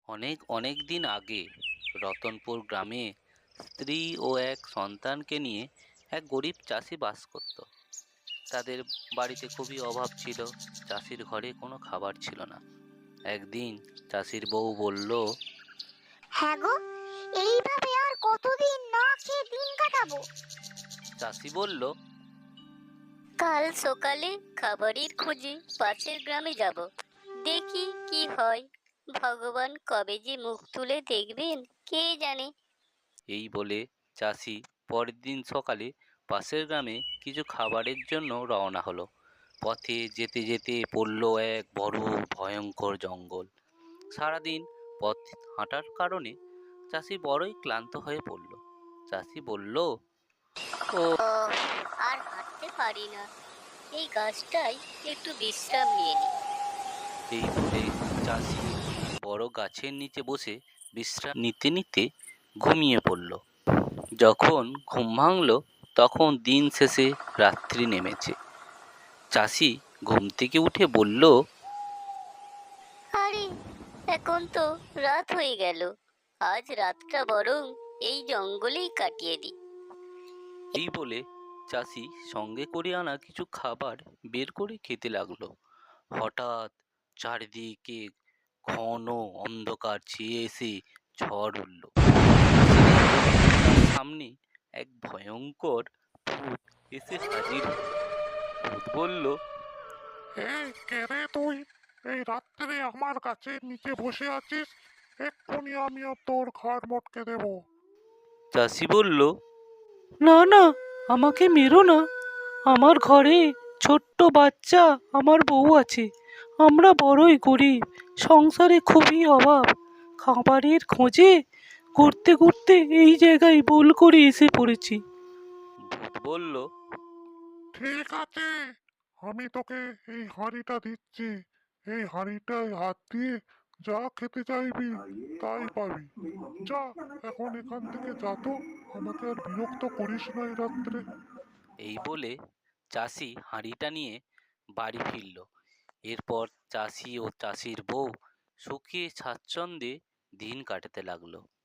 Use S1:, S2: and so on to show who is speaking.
S1: অনেক অনেক দিন আগে রতনপুর গ্রামে স্ত্রী ও এক সন্তানকে নিয়ে এক গরিব চাষি বাস করত। তাদের বাড়িতে খুবই অভাব ছিল। চাষির ঘরে কোনো খাবার ছিল না। একদিন চাষির বউ বলল,
S2: হ্যাঁ গো, এইভাবে আর কতদিন না খেয়ে দিন কাটাবো?
S1: চাষি বলল,
S3: কাল সকালে খাবারের খোঁজে পাশের গ্রামে যাব, দেখি কি হয়। ভগবান কবে যে মুখ তুলে দেখবেন কে জানে।
S1: এই বলে চাষি পরের দিন সকালে পাশের গ্রামে কিছু খাবারের জন্য রওনা হলো। পথে যেতে যেতে পড়ল এক বড় ভয়ঙ্কর জঙ্গল। সারাদিন পথ হাঁটার কারণে চাষি বড়ই ক্লান্ত হয়ে পড়ল। চাষি বলল, ও
S3: ও, আর হাঁটতে পারি না, এই গাছটাই একটু বিশ্রাম নিয়ে নি।
S1: এই বলে চাষি বড় গাছের নিচে বসে বিশ্রাম নিতে নিতে ঘুমিয়ে পড়ল। যখন ঘুম ভাঙল তখন দিন শেষে রাত্রি নেমেছে। চাষি ঘুম থেকে উঠে বলল,
S3: আরে, এখন তো রাত হয়ে গেল, আজ রাতটা বরং এই জঙ্গলেই কাটিয়ে দিই।
S1: এই বলে চাষি সঙ্গে করে আনা কিছু খাবার বের করে খেতে লাগলো। হঠাৎ চারিদিকে ঘন অন্ধকার ছেয়ে এসে ঝড় উঠল। চাষি দেখল তার সামনে এক ভয়ঙ্কর ভূত এসে হাজির হলো। ভূত বলল,
S4: এই কে রে তুই? এই রাত্রে আমার গাছের নিচে বসে আছিস? এক্ষুনি আমিও তোর ঘর মটকে দেব।
S1: চাষি বলল, না না, আমাকে মেরো না। আমার ঘরে ছোট্ট বাচ্চা, আমার বউ আছে। আমরা বড়ই গরিব, সংসারে খুবই অভাব। খাবারের খোঁজে ঘুরতে ঘুরতে এই জায়গায় ভুল করে এসে পড়েছি। ভূত বলল,
S4: ঠিক আছে, আমি তোকে এই হাঁড়িটা দিচ্ছি। এই হাঁড়িটায় হাত দিয়ে যা খেতে চাইবি তাই পাবি। যা, এখন এখান থেকে যা তো, আমাকে আর বিরক্ত করিস না এই রাত্রে।
S1: এই বলে চাষি হাঁড়িটা নিয়ে বাড়ি ফিরল। এরপর চাষি ও চাষির বউ সুখে স্বাচ্ছন্দ্যে দিন কাটাতে লাগলো।